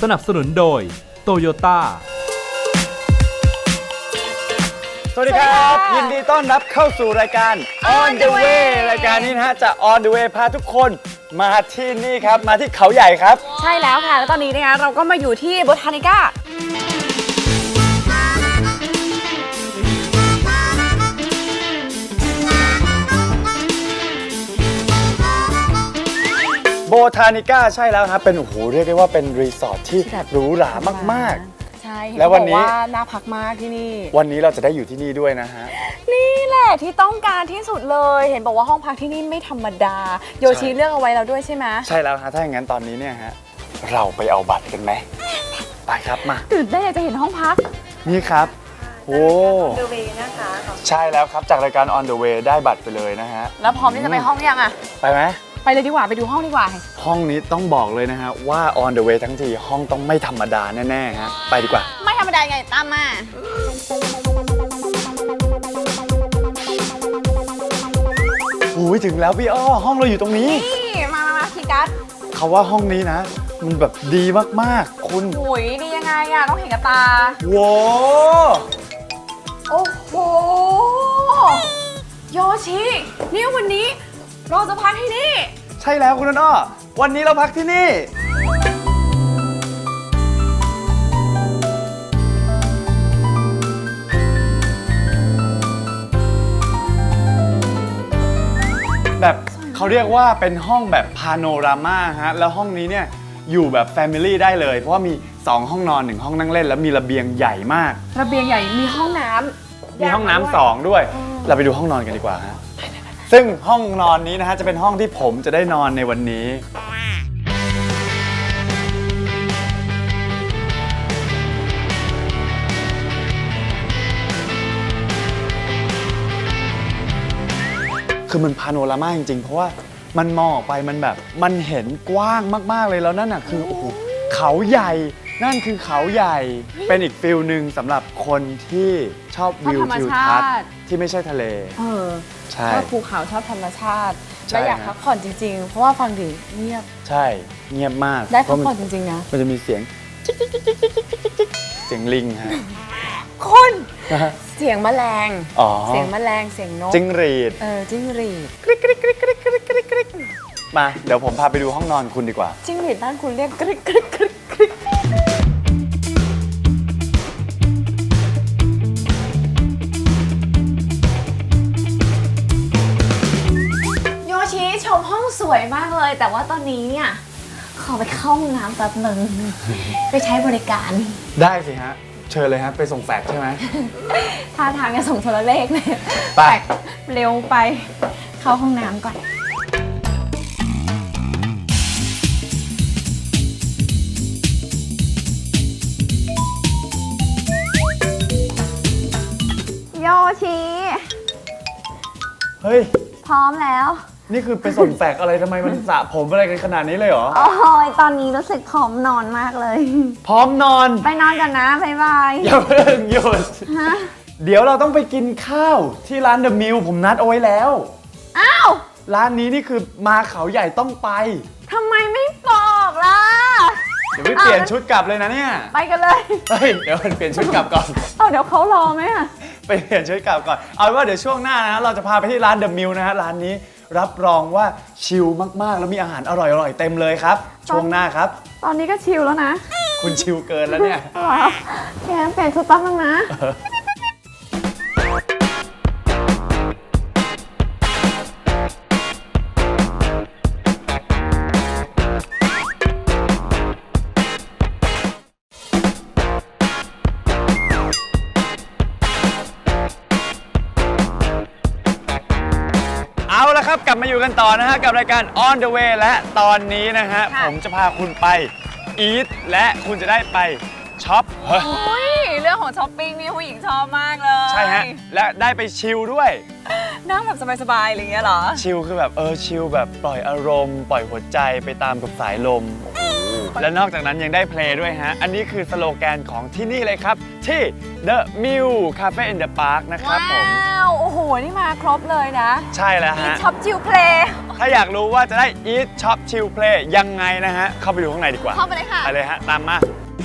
นับสนุนโดยโตโยต้าสวัสดีครับยินดีต้อนรับเข้าสู่รายการ On the Way รายการนี้นะฮะจะ On the Way พาทุกคนมาที่นี่ครับมาที่เขาใหญ่ครับใช่แล้วค่ะแล้วตอนนี้นะคะเราก็มาอยู่ที่โบทานิก้าโบทานิก้าใช่แล้วครับเป็นโอ้โหเรียกได้ว่าเป็นรีสอร์ทที่หรูหรามากใช่แล้ววันนี้น่าพักมากที่นี่วันนี้เราจะได้อยู่ที่นี่ด้วยนะฮะนี่แหละที่ต้องการที่สุดเลยเห็นบอกว่าห้องพักที่นี่ไม่ธรรมดาโยชิเลือกเอาไว้แล้วด้วยใช่ไหมใช่แล้วฮะถ้าอย่างนั้นตอนนี้เนี่ยฮะเราไปเอาบัตรกันไหมไปครับมาตื่นเต้นอยากจะเห็นห้องพักนี่ครับโอ้ On the Way นะคะใช่แล้วครับจากรายการ On the Way ได้บัตรไปเลยนะฮะแล้วพร้อมที่จะไปห้องยังอะไปไหมไปเลยดีกว่าไปดูห้องดีกว่าห้องนี้ต้องบอกเลยนะฮะว่า On the Way ทั้งทีห้องต้องไม่ธรรมดาแน่ๆฮะไปดีกว่าไม่ธรรมดาไงตามมาโอ้ยถึงแล้วพี่อ้อห้องเราอยู่ตรงนี้นี่มาคีย์การ์ดเขาว่าห้องนี้นะมันแบบดีมากๆคุณหุยดียังไงอะต้องเห็นกับตาว้าวโอ้โหโยชินี่วันนี้เราจะพักที่นี่ใช่แล้วคุณอ้อวันนี้เราพักที่นี่แบบเขาเรียกว่าเป็นห้องแบบพาโนรามาฮะแล้วห้องนี้เนี่ยอยู่แบบแฟมิลี่ได้เลยเพราะว่ามี2ห้องนอน1ห้องนั่งเล่นแล้วมีระเบียงใหญ่มากระเบียงใหญ่มีห้องน้ำมีห้องน้ำ2ด้วยเราไปดูห้องนอนกันดีกว่าฮะซึ่งห้องนอนนี้นะฮะจะเป็นห้องที่ผมจะได้นอนในวันนี้คือมันพาโนรามาจริงๆเพราะว่ามันมองออกไปมันแบบมันเห็นกว้างมากๆเลยแล้วนั่นน่ะคือโอ้โหเขาใหญ่นั่นคือเขาใหญ่เป็นอีกฟิลหนึ่งสำหรับคนที่ชอบวิวทิวทัศน์ที่ไม่ใช่ทะเลใช่ชอบภูเขาชอบธรรมชาติและอยากพักผ่อนจริงๆเพราะว่าฟังดิเงียบใช่เงียบมากได้พักผ่อนจริงๆนะมันจะมีเสียงเสียงลิงฮะคนเสียงแมลงเสียงแมลงเสียงนกจิ้งหรีดจิ้งหรีดกริ๊กกริ๊กกริ๊กกริ๊กกริ๊กกริ๊กกริ๊กมาเดี๋ยวผมพาไปดูห้องนอนคุณดีกว่าจิ้งหรีดบ้านคุณเรียกกริ๊กกริ๊กกริ๊กกริ๊กโยชิชมห้องสวยมากเลยแต่ว่าตอนนี้เนี่ยขอไปเข้าห้องน้ำแป๊บนึงไปใช้บริการได้สิฮะเชิญเลยฮะไปส่งแฟกใช่ไหมท่าทางจะส่งโทรเลขเลยแฟกเร็วไปเข้าห้องน้ำก่อนโยชิเฮ้ยพร้อมแล้วนี่คือไปส่งแฟกอะไรทำไมมันสระผมอะไรกันขนาดนี้เลยเหรอโอ้ยตอนนี้รู้สึกพร้อมนอนมากเลยพร้อมนอนไปนอนกันนะบ๊ายบายอย่าเพิ่งหยุดเดี๋ยวเราต้องไปกินข้าวที่ร้านเดอะมิลผมนัดเอาไว้แล้วอ้าวร้านนี้นี่คือมาเขาใหญ่ต้องไปทำไมไม่บอกล่ะเดี๋ยวไปเปลี่ยนชุดกลับเลยนะเนี่ยไปกันเลยเฮ้ยเดี๋ยวเปลี่ยนชุดกลับก่อนเดี๋ยวเขารอไหมอะไปเปลี่ยนชุดกลับก่อนเอาว่าเดี๋ยวช่วงหน้านะเราจะพาไปที่ร้านเดอะมิลนะฮะร้านนี้รับรองว่าชิลมากๆแล้วมีอาหารอร่อยๆเต็มเลยครับช่วงหน้าครับตอนนี้ก็ชิลแล้วนะคุณชิลเกินแล้วเนี่ยว้าวแกเปลี่ยนชุดแป๊บนึงนะเอาละครับกลับมาอยู่กันต่อนะฮะกับรายการ On the Way และตอนนี้นะฮะผมจะพาคุณไปอีทและคุณจะได้ไปช็อปเรื่องของช้อปปิ้งนี่ผู้หญิงชอบมากเลยใช่ฮะและได้ไปชิลด้วยนั่งแบบสบายๆอะไรเงี้ยเหรอชิลคือแบบชิลแบบปล่อยอารมณ์ปล่อยหัวใจไปตามกับสายลมและนอกจากนั้นยังได้เพลงด้วยฮะอันนี้คือสโลแกนของที่นี่เลยครับที่ The Mill Cafe in the Park นะครับผมว้าวโอ้โหนี่มาครบเลยนะใช่แล้วฮะมีช็อปชิลเพลงถ้าอยากรู้ว่าจะได้ Eat Shop Chill Play ยังไงนะฮะ เข้าไปดูข้างในดีกว่าเข้าไปเลยค่ะไปเลยฮะ ตามมา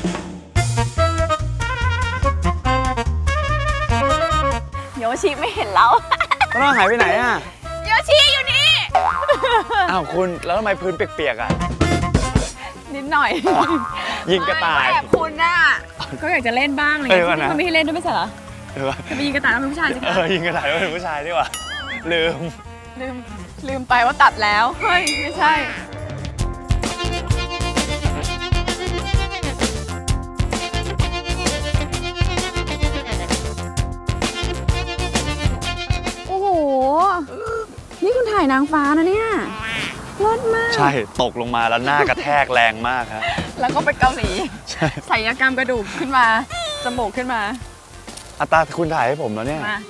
โยชิไม่เห็นแล้วต้นอ้อหายไปไหนอ่ะโยชิอยู่นี่อ้าวคุณ แล้วทำไมพื้นเปียกๆอ่ะนิดหน่อยยิงกระต่ายไม่แบบคุณน่ะก็อยากจะเล่นบ้างอะไรอย่างเออเงี้ยนะมันไม่ให้เล่นด้วยไม่ใช่เหรอเออจะไปยิงกระต่ายแล้วเป็นผู้ชายสิเอคะอยิงกระต่ายแล้วเป็นผู้ชายดีกว่า ลืมลืมไปว่าตัดแล้วเฮ้ยไม่ใช่โอ้โหนี่คุณถ่ายนางฟ้านะเนี่ยรอดมากใช่ ตกลงมาแล้วหน้ากระแทกแรงมากครับแล้วก็ไปเกาหลีใช่ศัลยกรรมกระดูกขึ้นมา จมูกขึ้นมาอัตราคุณถ่ายให้ผมแล้วเนี่ยมา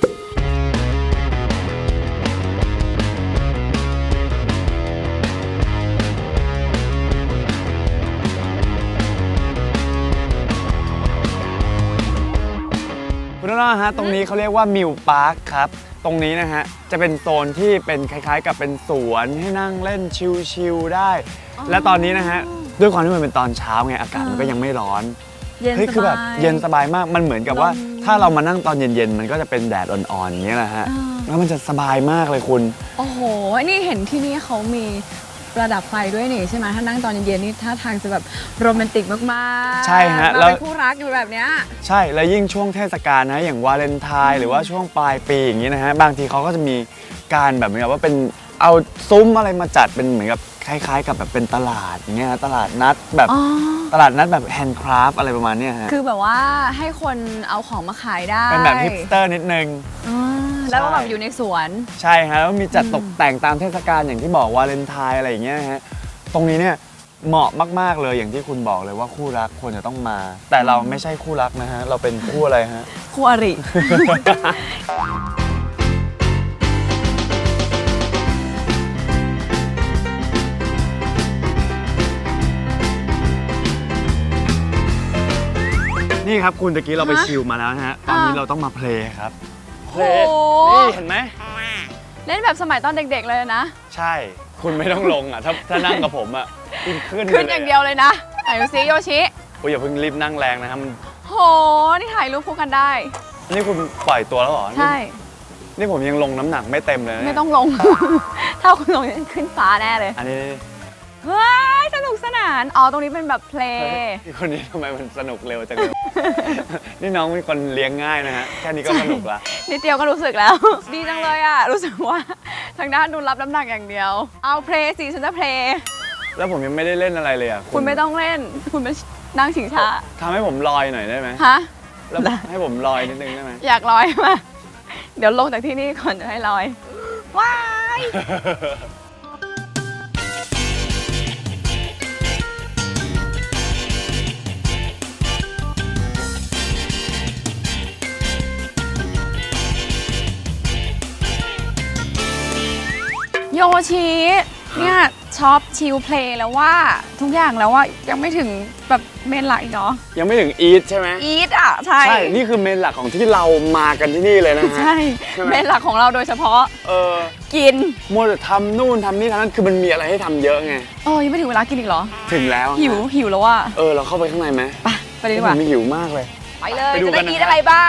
คุณน้องๆฮะตรงนี้เขาเรียกว่ามิวพาร์คครับ ตรงนี้นะฮะจะเป็นโซนที่เป็นคล้ายๆ กับเป็นสวนให้นั่งเล่นชิลๆได้ และตอนนี้นะฮะด้วยความที่มันเป็นตอนเช้าไงอากาศมันก็ยังไม่ร้อนเย็นเฮ้ยสคือแบบบายเย็นสบายมากมันเหมือนกับว่าลมถ้าเรามานั่งตอนเย็นๆมันก็จะเป็นแดดอ่อนๆอย่างเงี้ยแหละฮะอ่าแล้วมันจะสบายมากเลยคุณโอ้โห นี่เห็นที่นี่เขามีประดับไฟด้วยนี่ใช่ไหมถ้านั่งตอนเย็นๆนี่ท่าทางจะแบบโรแมนติกมากๆใช่ฮะมาแล้วเป็นคู่รักอยู่แบบเนี้ยใช่แล้วยิ่งช่วงเทศกาลนะอย่างวาเลนไทน์หรือว่าช่วงปลายปีอย่างนี้นะฮะบางทีเขาก็จะมีการแบบเหมือนกับว่าเป็นเอาซุ้มอะไรมาจัดเป็นเหมือนกับคล้ายๆ กับแบบเป็นตลาดอย่างเงี้ยฮะตลาดนัดแบบอ๋อตลาดนัดแบบแฮนด์คราฟอะไรประมาณเนี้ยฮะคือแบบว่าให้คนเอาของมาขายได้เป็นแบบฮิปสเตอร์นิดนึงอ่าแล้วก็ใช่แบบอยู่ในสวนใช่ฮะแล้วมีจัดตกแต่งตามเทศกาลอย่างที่บอกวาเลนไทน์อะไรอย่างเงี้ยฮะตรงนี้เนี่ยเหมาะมากๆเลยอย่างที่คุณบอกเลยว่าคู่รักควรจะต้องมา แต่เราไม่ใช่คู่รักนะฮะเราเป็นคู่อะไรฮะคู่อรินี่ครับคุณตะกี้เราไปฮะชิลมาแล้วนะฮะตอนนี้อ่าเราต้องมาเพลย์ครับเพลโอ้ย์โหนี่เห็นไหมเล่นแบบสมัยตอนเด็กๆเลยนะใช่ คุณไม่ต้องลงอ่ะถ้านั่งกับผมอ่ะคุณขึ้นขึ้นอย่างเดียวเลยนะไหนดูซิโยชิโอ้ยอย่าเพิ่งรีบนั่งแรงนะครับมันโห นี่ถ่ายรูปคู่กันได้นี่คุณปล่อยตัวแล้วเหรอใช่นี่ผมยังลงน้ำหนักไม่เต็มเลยนะไม่เนี่ยต้องลง ถ้าคุณลงจะขึ้นฟ้าแน่เลยอันนี้เฮ้ย สนุกสนาน อ๋อ ตรงนี้เป็นแบบเพลเฮ้ยย์พี่คนนี้ทำไมมันสนุกเร็วจังเลย นี่น้องเป็นคนเลี้ยงง่ายนะฮะแค่นี้ก็สนุกละนิดเดียวก็รู้สึกแล้ว ดีจังเลยอ่ะ รู้สึกว่าทางด้านดูรับน้ำหนักอย่างเดียว เอาเพลย์สิฉันจะเพลย์แล้วผมยังไม่ได้เล่นอะไรเลยอ่ะคุณไม่ต้องเล่น คุณไปนั่งชิงช้าทำให้ผมลอยหน่อยได้ไหมฮะแล้วให้ผมลอยนิดนึงได้ไหมอยากลอยมา เดี๋ยวลงจากที่นี่ก่อนจะให้ลอย ว้าย โยชิเนี่ยชอบชิลเพลย์แล้วว่าทุกอย่างแล้วว่ายังไม่ถึงแบบเมนหลักอีกเหรอยังไม่ถึงอีทใช่ไหมอีทอ่ะ ใช่ใช่ นี่คือเมนหลักของที่เรามากันที่นี่เลยนะฮะใช่ใช่ไหมเมนหลักของเราโดยเฉพาะเออกินมัวแต่ทำนู่นทำนี่ทำนั่นคือมันมีอะไรให้ทำเยอะไงยังไม่ถึงเวลากินอีกเหรอถึงแล้วอะหิวแล้วว่าเราเข้าไปข้างในไหมไปเลยดีกว่าผมหิวมากเลยไปเลยไปดูจะกัได้นนะกินฮะอะไรบ้าง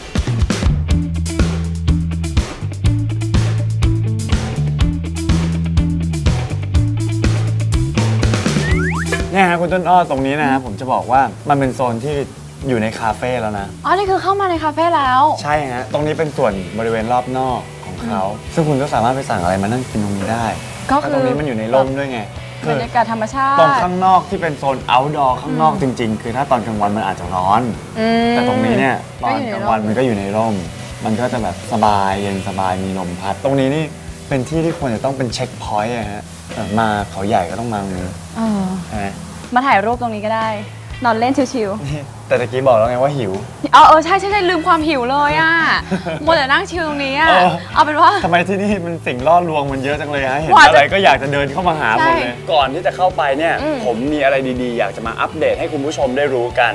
เนี่ยฮะคุณต้นอ้อตรงนี้นะฮะผมจะบอกว่ามันเป็นโซนที่อยู่ในคาเฟ่แล้วนะอ๋อ นี่คือเข้ามาในคาเฟ่แล้วใช่ฮะ ตรงนี้เป็นส่วนบริเวณรอบนอกของเขา ซึ่งคุณก็สามารถไปสั่งอะไรมานั่งกินตรงนี้ได้ก็แล้วคือตรงนี้มันอยู่ในร่มด้วยไงบคืรอรยากาศธรรมชาติตรงข้างนอกที่เป็นโซน outdoor ข้างนอกจริง ๆ คือถ้าตอนกลางวันมันอาจจะร้อนอืมแต่ตรงนี้เนี่ยตก็อนอยู่ในกลางร่มวันมันก็อยู่ในร่ม มันก็จะแบบสบายเย็นสบายมีลมพัด ตรงนี้นี่เป็นที่ที่ควรจะต้องเป็นเช็คพอยต์อะฮะมาเขาใหญ่ก็ต้องมาตรงนี้เออใช่ไหมมาถ่ายรูปตรงนี้ก็ได้ นอนเล่นชิวนี่แต่ตะกี้บอกแล้วไงว่าหิวๆใช่ลืมความหิวเลยอ่ะ มัวแต่นั่งชิลตรงนี้อ่ะเออเอาเป็นว่าทำไมที่นี่มันสิ่งล่อลวงมันเยอะจังเลยฮะ เห็นกว่าจะอะไรก็อยากจะเดินเข้ามาหาหมดเลยใช่ก่อนที่จะเข้าไปเนี่ยอืมผมมีอะไรดีๆ อยากจะมาอัปเดตให้คุณผู้ชมได้รู้กัน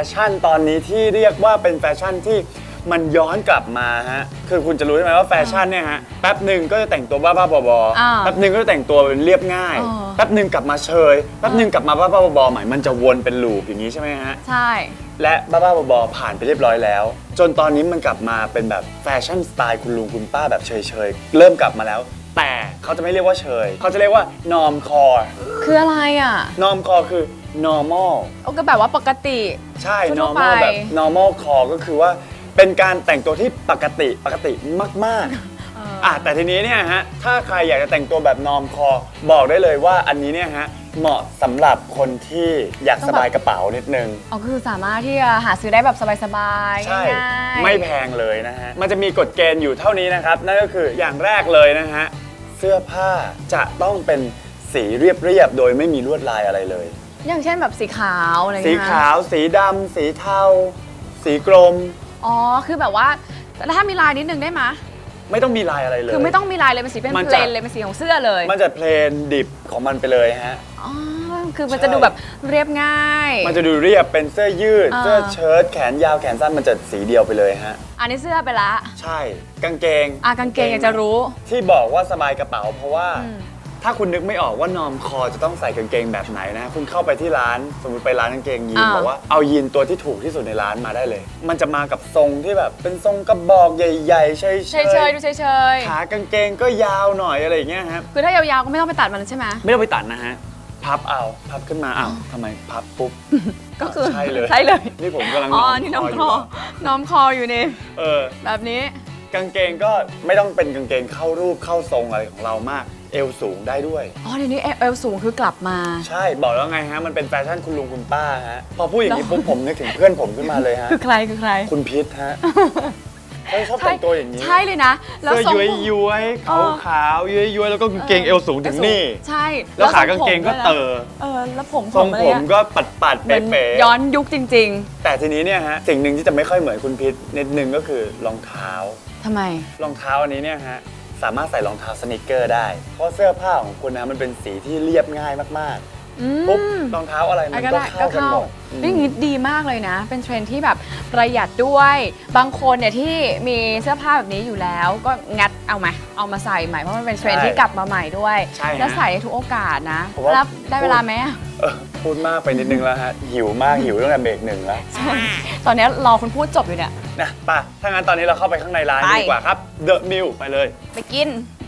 ชั่นตอนนี้ที่เรียกว่าเป็นแฟชั่นที่มันย้อนกลับมาฮะคือคุณจะรู้ใช่ไหมว่าแฟชั่นเนี่ยฮะแป๊บหนึ่งก็จะแต่งตัวบ้าๆบอๆแป๊บหนึ่งก็จะแต่งตัวเป็นเรียบง่ายแป๊บหนึ่งกลับมาเชยแป๊บหนึ่งกลับมาบ้าๆบอๆใหม่มันจะวนเป็นลูปอย่างนี้ใช่ไหมฮะใช่และบ้าๆบอๆผ่านไปเรียบร้อยแล้ว จนตอนนี้มันกลับมาเป็นแบบแฟชั่นสไตล์คุณลุงคุณป้าแบบเฉยๆเริ่มกลับมาแล้วแต่เขาจะไม่เรียกว่าเฉยเขาจะเรียกว่านอร์มคอร์คืออะไรอ่ะนอร์มคอร์คือ normal ก็แบบว่าปกติใช่ทั่วไป normal แบบ normal core ก็คือว่าเป็นการแต่งตัวที่ปกติมากๆแต่ทีนี้เนี่ยฮะถ้าใครอยากจะแต่งตัวแบบ norm core บอกได้เลยว่าอันนี้เนี่ยฮะเหมาะสำหรับคนที่อยากสบายกระเป๋านิดนึงคือสามารถที่จะหาซื้อได้แบบสบายๆใช่ง่ายๆไม่แพงเลยนะฮะมันจะมีกฎเกณฑ์อยู่เท่านี้นะครับนั่นก็คืออย่างแรกเลยนะฮะเสื้อผ้าจะต้องเป็นสีเรียบๆโดยไม่มีลวดลายอะไรเลยอย่างเช่นแบบสีขาวอะไรอย่างสีเงี้ยขาวสีดำสีเทาสีกรมคือแบบว่าแล้วถ้ามีลายนิดนึงได้ไหมไม่ต้องมีลายอะไรเลยคือไม่ต้องมีลายเลยเป็นสีเป็นเพลนเลยเป็นสีของเสื้อเลยมันจะเพลนดิบของมันไปเลยฮะคือมันจะดูแบบเรียบง่ายมันจะดูเรียบเป็นเสื้อยืดเสื้อเชิ้ตแขนยาวแขนสั้นมันจะสีเดียวไปเลยฮะอันนี้เสื้อไปละใช่กางเกงกางเกงอยากจะรู้ที่บอกว่าสบายกระเป๋าเพราะว่าถ้าคุณนึกไม่ออกว่านอร์มคอจะต้องใส่กางเกงแบบไหนนะคุณเข้าไปที่ร้านสมมติไปร้านกางเกงยีนบอกว่าเอายีนตัวที่ถูกที่สุดในร้านมาได้เลยมันจะมากับทรงที่แบบเป็นทรงกระบอกใหญ่ๆเฉยๆดูเฉยๆขากางเกงก็ยาวหน่อยอะไรอย่างเงี้ยครับคือถ้ายาวๆก็ไม่ต้องไปตัดมันใช่ไหมไม่ต้องไปตัดนะฮะพับขึ้นมาทำไมพับปุ๊บก็คือใช่เลยนี่ผมกำลังนี่น้อมคออยู่นี่แบบนี้กางเกงก็ไม่ต้องเป็นกางเกงเข้ารูปเข้าทรงอะไรของเรามากเอวสูงได้ด้วยเดี๋ยวนี้เอวสูงคือกลับมาใช่บอกแล้วไงฮะมันเป็นแฟชั่นคุณลุงคุณป้าฮะพอพูดอย่างนี้ปุ๊บผมนึกถึงเพื่อนผมขึ้นมาเลยฮะคือใครคุณพิษฮะชอบแต่งตัวอย่างนี้ใช่เลยนะเสื้อย้วยขาวย้วยแล้วก็กางเกงเอวสูงถึงนี่ใช่แล้วขากางเกงก็แล้วทรงผมก็ปัดเป๊ะย้อนยุคจริงๆแต่ทีนี้เนี่ยฮะสิ่งหนึ่งที่จะไม่ค่อยเหมือนคุณพิษนิดนึงก็คือรองเท้าทำไมรองเท้าอันนี้เนี่ยฮะสามารถใส่รองเท้าสนิเกอร์ได้เพราะเสื้อผ้าของคุณนะมันเป็นสีที่เรียบง่ายมากๆปุ๊บรองเท้าอะไรมันก็เข้ากันหมดนี่งี้ดีมากเลยนะเป็นเทรนด์ที่แบบประหยัดด้วยบางคนเนี่ยที่มีเสื้อผ้าแบบนี้อยู่แล้วก็งัดเอามาใส่ใหม่เพราะมันเป็นเทรนด์ที่กลับมาใหม่ด้วยแล้วใส่ในทุกโอกาสนะรับได้เวลาไหมพูดมากไปนิดนึงแล้วฮะหิวตั้งแต่เบรกหนึ่งแล้วตอนนี้รอคุณพูดจบอยู่เนี่ยนะป่ะถ้างั้นตอนนี้เราเข้าไปข้างในร้านดีกว่าครับ The Mill ไปเลยไปกิน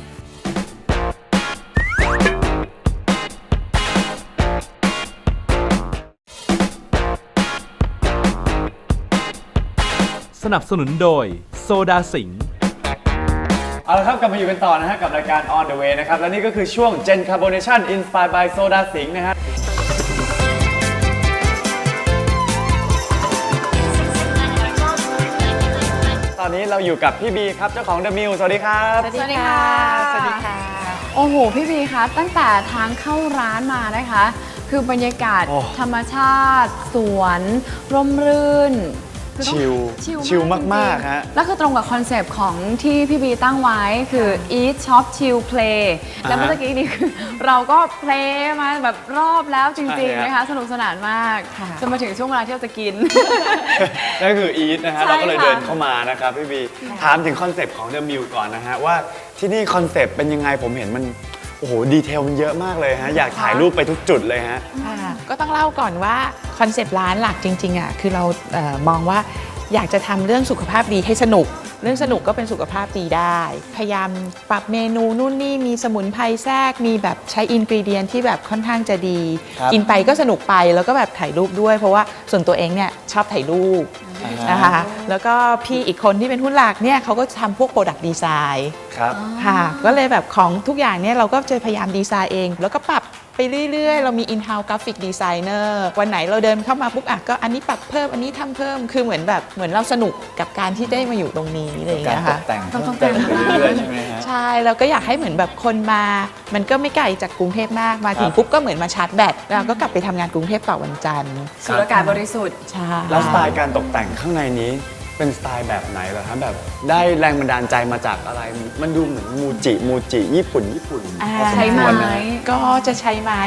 สนับสนุนโดยโซดาสิงห์เอาละครับกลับมาอยู่กันต่อนะฮะกับรายการ On the Way นะครับและนี่ก็คือช่วง Gen Carbonation Inspired by Soda Sing นะฮะตอนนี้เราอยู่กับพี่บีครับเจ้าของ The Mill สวัสดีครับสวัสดีค่ะสวัสดีค่ะโอ้โหพี่บีคะตั้งแต่ทางเข้าร้านมานะคะคือบรรยากาศธรรมชาติสวนร่มรื่นชิลมากๆฮะแล้วคือตรงกับคอนเซปต์ของที่พี่บีตั้งไว้คือ eat shop chill play แล้วเมื่อกี้นี้คือเราก็เพลย์มาแบบรอบแล้วจริงๆนะคะสนุกสนานมากจนมาถึงช่วงเวลาที่เราจะกินนั่นคือ eat นะฮะเราก็เลยเดินเข้ามานะครับพี่บีถามถึงคอนเซปต์ของ The Mill ก่อนนะฮะว่าที่นี่คอนเซปต์เป็นยังไงผมเห็นมันโอ้โหดีเทลมันเยอะมากเลยฮะอยากถ่ายรูปไปทุกจุดเลยฮะก็ต้องเล่าก่อนว่าคอนเซปต์ร้านหลักจริงๆคือเรามองว่าอยากจะทำเรื่องสุขภาพดีให้สนุกเรื่องสนุกก็เป็นสุขภาพดีได้พยายามปรับเมนูนู่นนี่มีสมุนไพรแทรกมีแบบใช้อินกรีเดียนที่แบบค่อนข้างจะดีกินไปก็สนุกไปแล้วก็แบบถ่ายรูปด้วยเพราะว่าส่วนตัวเองเนี่ยชอบถ่ายรูปนะคะแล้วก็พี่อีกคนที่เป็นหุ้นหลักเนี่ยเขาก็ทำพวกโปรดักต์ดีไซน์ค่ะก็เลยแบบของทุกอย่างเนี่ยเราก็จะพยายามดีไซน์เองแล้วก็ปรับไปเรื่อยๆเรามี in-house graphic designer วันไหนเราเดินเข้ามาปุ๊บก็อันนี้ปรับเพิ่มอันนี้ทำเพิ่มคือเหมือนเราสนุกกับการที่ได้มาอยู่ตรงนี้อะไรอย่างเงี้ยค่ะต้องแต่งไปเรื่อยๆใช่ไหมฮะใช่เราก็อยากให้เหมือนแบบคนมามันก็ไม่ไกลจากกรุงเทพมากมาถึงปุ๊บก็เหมือนมาชาร์จแบตแล้วก็กลับไปทำงานกรุงเทพต่อวันจันทร์สูดอากาศบริสุทธิ์ใช่แล้วสไตล์การตกแต่งข้างในนี้เป็นสไตล์แบบไหนเหรอครับแบบได้แรงบันดาลใจมาจากอะไรมันดูเหมือนมูจิญี่ปุ่นใช้ไม้ก็จะใช้ไม้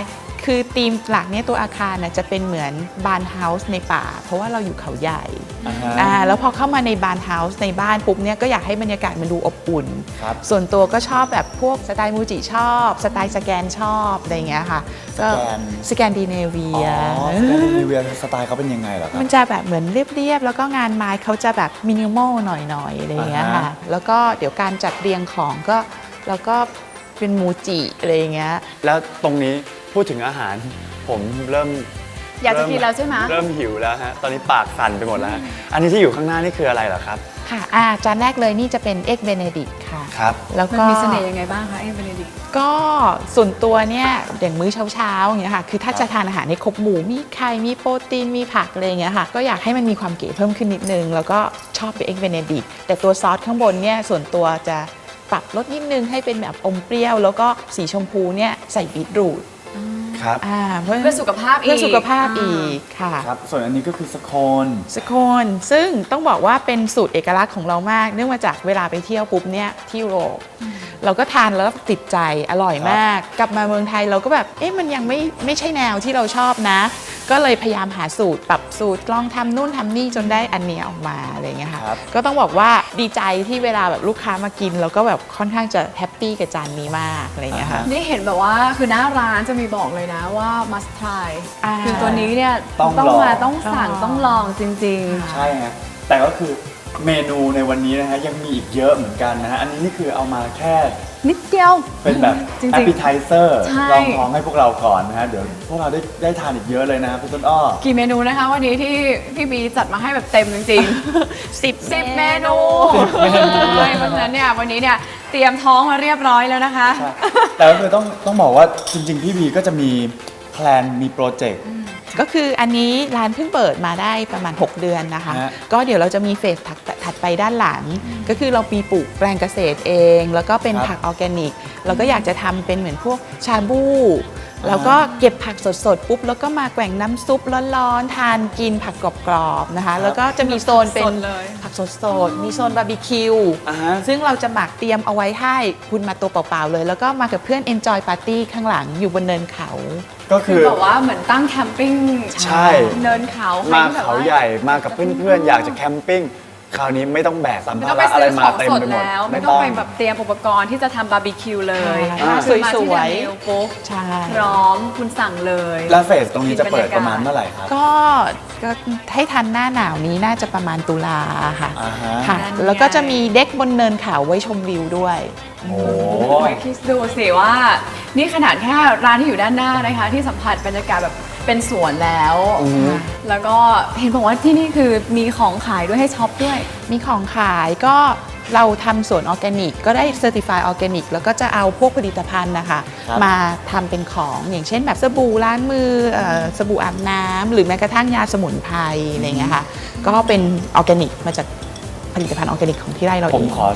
คือธีมหลักเนี่ยตัวอาคารน่ะจะเป็นเหมือนบาร์นเฮาส์ในป่าเพราะว่าเราอยู่เขาใหญ่ แล้วพอเข้ามาในบาร์นเฮาส์ในบ้านปุ๊บเนี่ยก็อยากให้บรรยากาศมันดูอบอุ่น ส่วนตัวก็ชอบแบบพวกสไตล์มูจิชอบสไตล์สแกนชอบอะไรอย่างเงี้ยค่ะก็สแกนดิเนเวียสแกนดิเนเวียสไตล์เขาเป็นยังไงเหรอครับมันจะแบบเหมือนเรียบๆแล้วก็งานไม้เขาจะแบบมินิมอลหน่อยๆอะไรอย่างเงี้ยค่ะแล้วก็เดี๋ยวการจัดเรียงของก็เราก็เป็นมูจิอะไรอย่างเงี้ยแล้วตรงนี้พูดถึงอาหารผมเริ่มอยากจะกินแล้วใช่ไหมเริ่มหิวแล้วฮะตอนนี้ปากสั่นไปหมดแล้วฮะอันนี้ที่อยู่ข้างหน้านี่คืออะไรเหรอครับค่ะจานแรกเลยนี่จะเป็นเอ็กเบเนดิกค่ะครับแล้วมันก็มีเสน่ห์ยังไงบ้างคะเอ็กเบเนดิกก็ส่วนตัวเนี่ยอย่างมื้อเช้าๆอย่างเงี้ยค่ะคือถ้าจะทานอาหารในครบหมู่มีไข่มีโปรตีนมีผักอะไรอย่างเงี้ยค่ะก็อยากให้มันมีความเก๋เพิ่มขึ้นนิดนึงแล้วก็ชอบเป็นเอ็กเบเนดิกแต่ตัวซอสข้างบนเนี่ยส่วนตัวจะปรับรสนิดนึงให้เป็นแบบอมเปรี้ยวแล้วก็สีชมพูเนี่ยใส่บีทรูทครับเพื่เพื่อสุขภาพอีกเพื่อสุขภาพอีกค่ะครับส่วนอันนี้ก็คือสโคนสโคนซึ่งต้องบอกว่าเป็นสูตรเอกลักษณ์ของเรามาก เนื่องมาจากเวลาไปเที่ยวปุ๊บเนี่ยที่ยุโรปเราก็ทานแล้วติดใจอร่อยมาก กลับมาเมืองไทยเราก็แบบมันยังไม่ใช่แนวที่เราชอบนะ ก็เลยพยายามหาสูตรปรับสูตรลองทำนู่นทำนี่จนได้อันนี้ออกมาอะไรอย่างเงี้ยค่ะก็ต้องบอกว่าดีใจที่เวลาแบบลูกค้ามากินเราก็แบบค่อนข้างจะแฮปปี้กับจานนี้มากอะไรอย่างเงี้ยค่ะนี่เห็นแบบว่าคือหน้าร้านจะมีบอกเลยนะว่า must try อ่าคือตัวนี้เนี่ยต้องลองมาต้องสั่งต้องลองจริงใช่ฮะแต่ก็คือเมนูในวันนี้นะฮะยังมีอีกเยอะเหมือนกันนะฮะอันนี้นี่คือเอามาแค่ๆ นิดเดียวเป็นแบบจริงๆ appetizer ใช่ลองท้องให้พวกเราก่อนนะฮะเดี๋ยวพวกเราได้ทานอีกเยอะเลยนะครับพี่ต้นอ้อกี่เมนูนะคะวันนี้ที่พี่บีจัดมาให้แบบเต็มจริงๆ 10 เมนูเลยเพราะฉะนั้นเนี่ยวันนี้เนี่ยเตรียมท้องมาเรียบร้อยแล้วนะคะใช่แต่ก็คือต้องบอกว่าจริงๆ พี่บีก็จะมีแพลนมีโปรเจกต์ก็คืออันนี้ร้านเพิ่งเปิดมาได้ประมาณ 6 เดือนนะคะฮะก็เดี๋ยวเราจะมีเฟสถัดไปด้านหลัง ก็คือเรามีปลูกแปลงเกษตรเอง แล้วก็เป็นผักออร์แกนิก เราก็อยากจะทำเป็นเหมือนพวกชาบูแล้วก็เก็บผักสดๆปุ๊บแล้วก็มาแกว่งน้ำซุปร้อนๆทานกินผักกรอบๆนะคะ แล้วก็จะมีโซนเป็นสดเลยผักสดๆมีโซนบาร์บีคิวอ่าฮะซึ่งเราจะหมักเตรียมเอาไว้ให้คุณมาตัวเปล่าๆเลย แล้วก็มากับเพื่อน Enjoy Party ข้างหลังอยู่บนเนินเขาก็คืคือ อแบบว่าเหมือนตั้งแคมปิ้งใช่เนินเขาใครมาที่แบบเขาว่าใหญ่มากับเพื่อนๆ อยากจะแคมปิ้งคราวนี้ไม่ต้องแบกสัมไม่ภาต้องไประอะไรซื้อขมาองเต็มสดไปหมดแล้ว ไม่ต้องไปแบบเตรียมอุปกรณ์ที่จะทำบาร์บีคิวเลยอ่าคือมาที่สวยๆเดนิลปุ๊บใช่พร้อมคุณสั่งเลยแล้วเฟสตรงนี้จะเปิดประมาณเมื่อไหร่ครับก็ให้ทันหน้าหนาวนี้น่าจะประมาณตุลาค่ะอ่าฮะค่ะนั่นไงแล้วก็จะมีเด็กบนเนินเขาไว้ชมวิวด้วยโอ้โอ้ยคิดดูสิว่า นี่ขนาดแค่ร้านที่อยู่ด้านหน้านะคะ ที่สัมผัสบรรยากาศแบบเป็นสวนแล้ว แล้วก็เห็นบอกว่าที่นี่คือมีของขายด้วยให้ช็อปด้วยมีของขายก็เราทำสวนออร์แกนิกก็ได้เซอร์ติฟายออร์แกนิกแล้วก็จะเอาพวกผลิตภัณฑ์นะคะครับมาทำเป็นของอย่างเช่นแบบสบู่ล้างมือสบู่อาบน้ำหรือแม้กระทั่งยาสมุนไพรอะไรอย่างเงี้ยค่ะก็เป็นออร์แกนิกมาจากผลิตภัณฑ์ออร์แกนิกของที่ไร่เราผเอมงขอ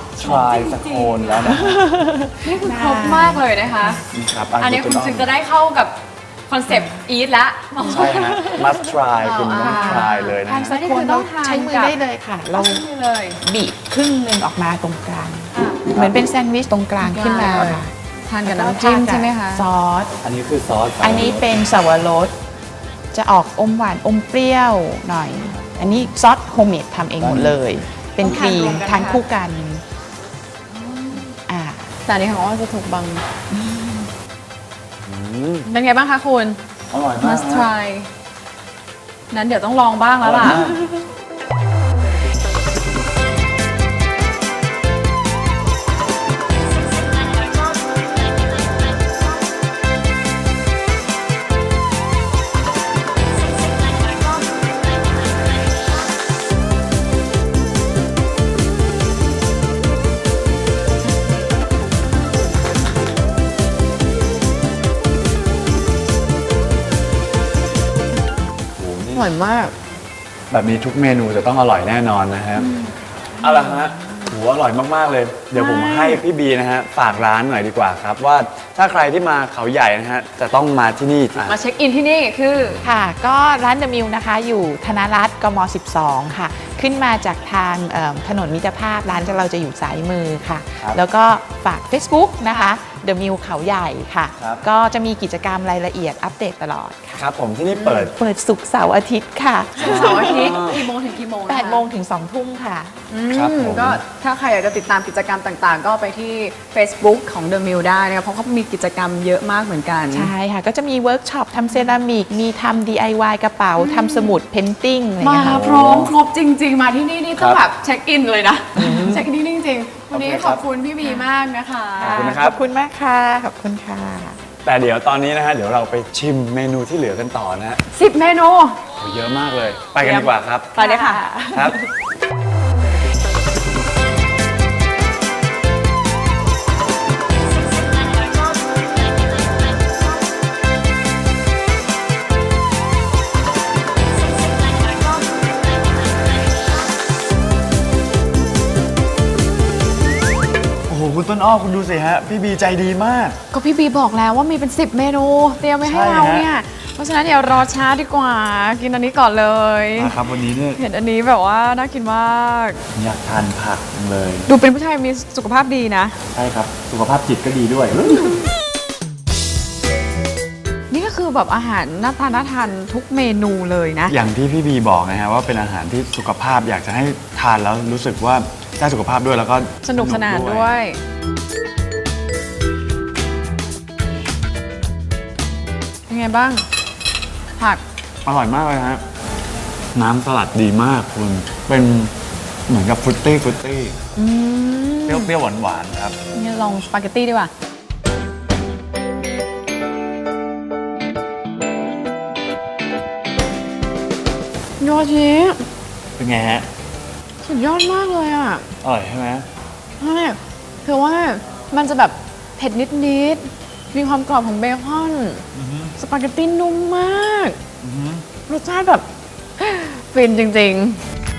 try สโคนแล้วนะนี่คือครบมากเลยนะคะนี่ครับอันนี้คุณถึงจะได้เข้ากับคอนเซปต์อีทละใช่ฮะ must try คุณต้อง try เลยนะทานฮะสักคนเราใช้มือได้เลยค่ะ เรานี่เลยบีบครึ่งหนึ่งออกมาตรงกลาง เหมือนเป็นแซนด์วิชตรงกลางขึ้นมาค่ะทานกับน้ำจิ้มใช่ไหมคะซอสอันนี้คือซอสอันนี้เป็นสวรสจะออกอมหวานอมเปรี้ยวหน่อย อันนี้ซอสโฮมเมดทำเองหมดเลย เป็นครีมทานคู่กันอ่าแต่อันนี้ของอ้อจะถูกบังอืมเป็นไงบ้างคะคุณอร่อยมาก must try นั้นเดี๋ยวต้องลองบ้างแล้วล่ะ อร่อยมากแบบนี้ทุกเมนูจะต้องอร่อยแน่นอนนะครับเอาละฮะโหอร่อยมากๆเลย เดี๋ยวผมให้พี่บีนะฮะฝากร้านหน่อยดีกว่าครับ ว่าถ้าใครที่มาเขาใหญ่นะฮะจะต้องมาที่นี่มาเช็คอินที่นี่คือค่ะ ก็ร้านเดอะมิลนะคะอยู่ธนรัตน์กม 12 ค่ะ ขึ้นมาจากทางถนนมิตรภาพร้านเราจะอยู่ซ้ายมือค่ะครับแล้วก็ฝาก Facebook นะคะ The Mill เขาใหญ่ค่ะครับก็จะมีกิจกรรมรายละเอียดอัปเดตตลอดค่ะครับผมที่นี่เปิดเปิดศุกร์เสาร์อาทิตย์ค่ะเสาร์อาทิตย์กี่โมงถึงกี่โมงนะคะ 8 โมงถึง 2 ทุ่มค่ะครับผมก็ถ้าใครอยากจะติดตามกิจกรรมต่างๆ ก็ไปที่ Facebook ของ The Mill ได้นะคะเพราะเขามีกิจกรรมเยอะมากเหมือนกันใช่ค่ะ ก็จะมีเวิร์กช็อปทำเซรามิก มีทำ DIY กระเป๋าทำสมุดเพนติ้งอะไรอย่างมาเงี้ยค่ะพร้อมครบจริง ๆ มาที่นี่ต้องครับแบบเช็คอินเลยนะ เช็คอินจริงๆ วันนี้โอเคคขรับอบคุณพี่บีมากนะคะขอบคุณนะครับขอบคุณมากค่ะ ขอบคุณค่ะแต่เดี๋ยวตอนนี้นะฮะเดี๋ยวเราไปชิมเมนูที่เหลือกันต่อนะฮะ 10 เมนูโอ้เยอะมากเลย ไปกันดีกว่าครับไปเลยค่ะครับ โอ้โหคุณต้นอ้อคุณดูสิฮะ พี่บีใจดีมากก็พี่บีบอกแล้วว่ามีเป็น 10 เมนู เตรียมไว้ให้ใช่เราฮะเนี่ย เพราะฉะนั้นเดี๋ยวรอช้าดีกว่า กินอันนี้ก่อนเลยนะครับวันนี้เนี่ยเห็นอันนี้แบบว่าน่ากินมากอยากทานผักจังเลยดูเป็นผู้ชายมีสุขภาพดีนะใช่ครับ สุขภาพจิตก็ดีด้วยนี่ก็คือแบบอาหารน่าทานทุกเมนูเลยนะอย่างที่พี่บีบอกนะฮะว่าเป็นอาหารที่สุขภาพอยากจะให้ทานแล้วรู้สึกว่าได้สุขภาพด้วยแล้วก็สนุกสนานด้วย เป็นไงบ้าง ผักอร่อยมากเลยฮะน้ำสลัดดีมากคุณเป็นเหมือนกับฟรุตตี้เปรี้ยวๆหวานๆครับนี่ลองสปาเกตตี้ดีกว่า โยชิเป็นไงฮะสุดยอดมากเลยอ่ะอร่อยใช่ไหมใช่คือว่ามันจะแบบเผ็ดนิดๆ มีความกรอบของเบคอน สปาเกตตี้นุ่มมาก รสชาติแบบ ฟินจริงๆ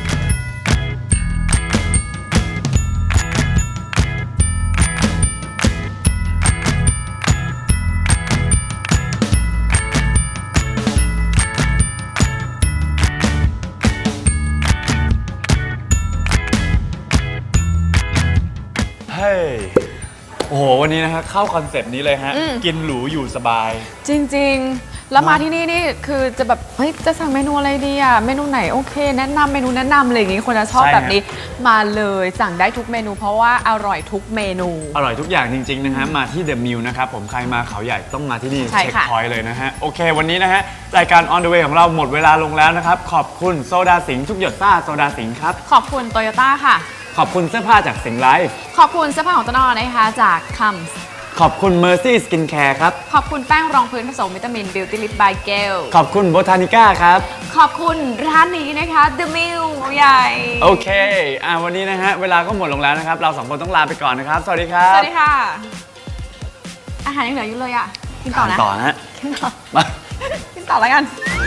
เฮ้ยโอ้โหวันนี้นะฮะเข้าคอนเซปต์นี้เลยฮะ กินหรูอยู่สบายจริงๆ แล้วมาที่นี่นี่คือจะแบบ เฮ้ย จะสั่งเมนูอะไรดีอ่ะ เมนูไหนโอเค แนะนำเมนูแนะนำอะไรอย่างงี้ คนจะชอบใช่ฮะแบบนี้ มาเลยสั่งได้ทุกเมนู เพราะว่าอร่อยทุกเมนูอร่อยทุกอย่างจริง ๆ นะฮะ มาที่ The Mill นะครับผมใครมาเขาใหญ่ต้องมาที่นี่ใช่เช็คค่ะพอยต์เลยนะฮะ โอเค วันนี้นะฮะ รายการ On the Way ของเราหมดเวลาลงแล้วนะครับ ขอบคุณโซดาสิงห์ทุกหยดซ่าโซดาสิงห์ครับขอบคุณโตโยต้าค่ะขอบคุณเสื้อผ้าจากสิงห์ไลฟ์ขอบคุณเสื้อผ้าของต้นอ้อนะคะจากคัมส์ขอบคุณ Mercy Skin Care ครับขอบคุณแป้งรองพื้นผสมวิตามิน Beauty Lip by Gel ขอบคุณ Botanica ครับขอบคุณร้านนี้นะคะ The Mill ใหญ่โอเควันนี้นะฮะ เวลาก็หมดลงแล้วนะครับ เราสองคนต้องลาไปก่อนนะครับ สวัสดีครับสวัสดีค่ะ อาหารยังเหลืออยู่เลยอ่ะ กินต่อทานนะต่อนะฮะกินต่อมากินต่อแล้วกัน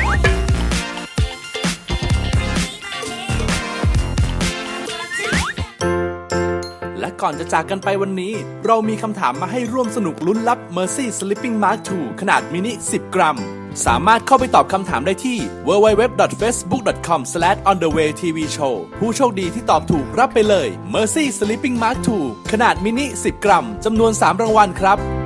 และก่อนจะจากกันไปวันนี้ เรามีคำถามมาให้ร่วมสนุกลุ้นรับ Mercy Sleeping Mask 2 ขนาดมินิ 10 กรัม สามารถเข้าไปตอบคำถามได้ที่ www.facebook.com/onthewaytvshow ผู้โชคดีที่ตอบถูกรับไปเลย Mercy Sleeping Mask 2 ขนาดมินิ 10 กรัม จำนวน 3 รางวัลครับ